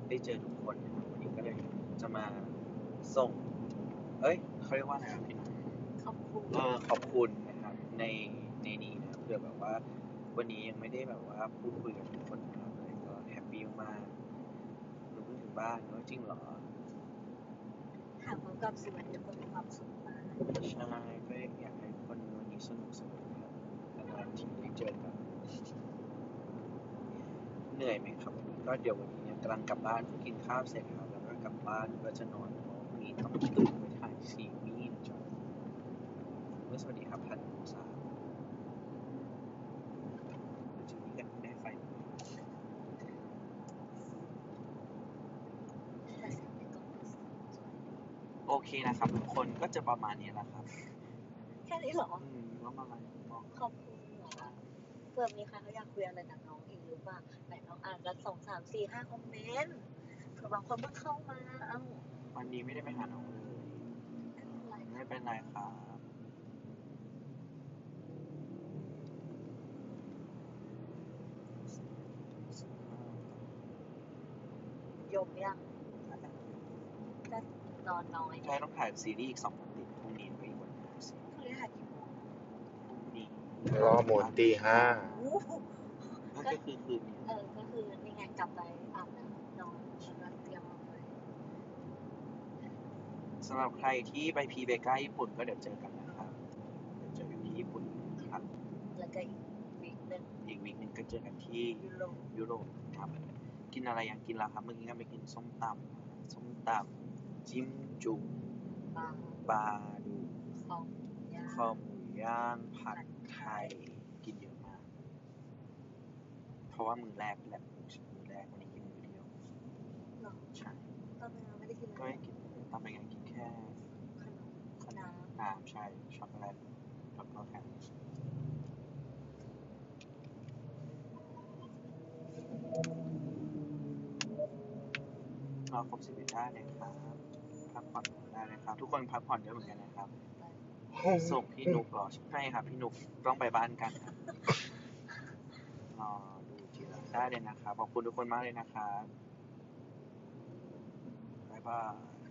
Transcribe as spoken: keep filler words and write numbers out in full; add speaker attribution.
Speaker 1: ได้เจอทุกคนนะครับวันนี้ก็เลยจะมาส่งเอ้ยเขาเรียกว่าอะไรครับพี่
Speaker 2: ขอบคุณ
Speaker 1: เออขอบคุณนะครับในในนี้นะเผื่อแบบว่าวันนี้ยังไม่ได้แบบว่าพูดคุยกับทุกคนมากเลยก็แฮปปี้มากหนูเพิ่งถึงบ้านเนอะจริงเหรอ
Speaker 2: ถามความกับสุวรรณทุกคนมีความสุขมาก
Speaker 1: ใช่ก็อยากให้คนวันนี้สนุกสนุกครับนานๆทีได้เจอกันเหนื่อยไหมครับวันนี้ก็เดี๋ยววันนี้เนี่ยกำลังกลับบ้านเพิ่งกินข้าวเสร็จครับแล้วก็กลับบ้านก็จะนอนเพราะพรุ่งนี้ต้องตื่นไปถ่ายซีรีส์นะจ๊ะเมื่อสวัสดีครับท่านผู้สาวจริงๆกันได้ไฟ
Speaker 2: แต่สิ่งที่ก็เป็นสวย
Speaker 1: โอเคนะครับทุกคนก็จะประมาณนี้แหละครับ
Speaker 2: แค่นี้เหรอ
Speaker 1: อืมก็ประมาณนี้บอก
Speaker 2: ขอบคุณเหรอเผื่อมีใครเขาอยากคุยอะไรกับน้องอีกหรือเปล่าไหนลองอ่านกันสองสามสี่ห้าคอมเมนต์เผื่อบางคนเพิ่งเข้ามาเอ้า
Speaker 1: วันนี้ไม่ได้ไปหาน้องเลยไม่เป็นไรครับ
Speaker 2: ยมยังก็นอนน้อย
Speaker 1: ใช่ต้องถ่ายซีรีส์อีกสองวันติดพรุ่งนี้ไปอีกวันหนึงพ
Speaker 2: พรุ่งนี้ถ่ายกี่โมง
Speaker 1: รุ่งนี้
Speaker 3: รอหมุนตีห้า
Speaker 1: นั่นก็คือคืนนี้
Speaker 2: เออก็คือนี่ไงกลับไปอาบน้ำนอนแล้วก็เตรียมมาเลย
Speaker 1: สำหรับใครที่ไปพีเบก้าญี่ปุ่นก็เดี๋ยวเจอกันนะครับเดี๋ยวเจอกันที่ญี่ปุ่นครับ
Speaker 2: แล้วก็อีกวีคหนึ่ง
Speaker 1: อีกวีคหนึ่งก็เจอกันที่
Speaker 2: ยุโรป
Speaker 1: ยุโรปครับกินอะไรยังกินละครับเมื่อกี้ก็ไปกินส้มตำส้มตำจิ้มจุ่ม
Speaker 2: ปลา
Speaker 1: ปลาดู
Speaker 2: คอมย่า
Speaker 1: คอหมูย่างผัดไทยกินเยอะมากเพราะว่ามือแรกแหละมือแรกวันนี้กินมือเดียว
Speaker 2: หรอ
Speaker 1: ใช่
Speaker 2: ตอนนั้นไม่ได้กินอะไร
Speaker 1: ก็ไม่กินตอนไปงานกินแค่
Speaker 2: ขนม
Speaker 1: ขนม
Speaker 2: น้
Speaker 1: น้ำใช่ช็อกโกแลตแล้วก็แค่รอครบสิบเอ็ดได้เลยครับพักผ่อนได้เลยครับทุกคนพักผ่อนเยอะเหมือนกันนะครับส่งพี่นุกรอใช่ครับพี่นุกต้องไปบ้านกันครับรอดูทีละได้เลยนะครับขอบคุณทุกคนมากเลยนะครับบ๊ายบาย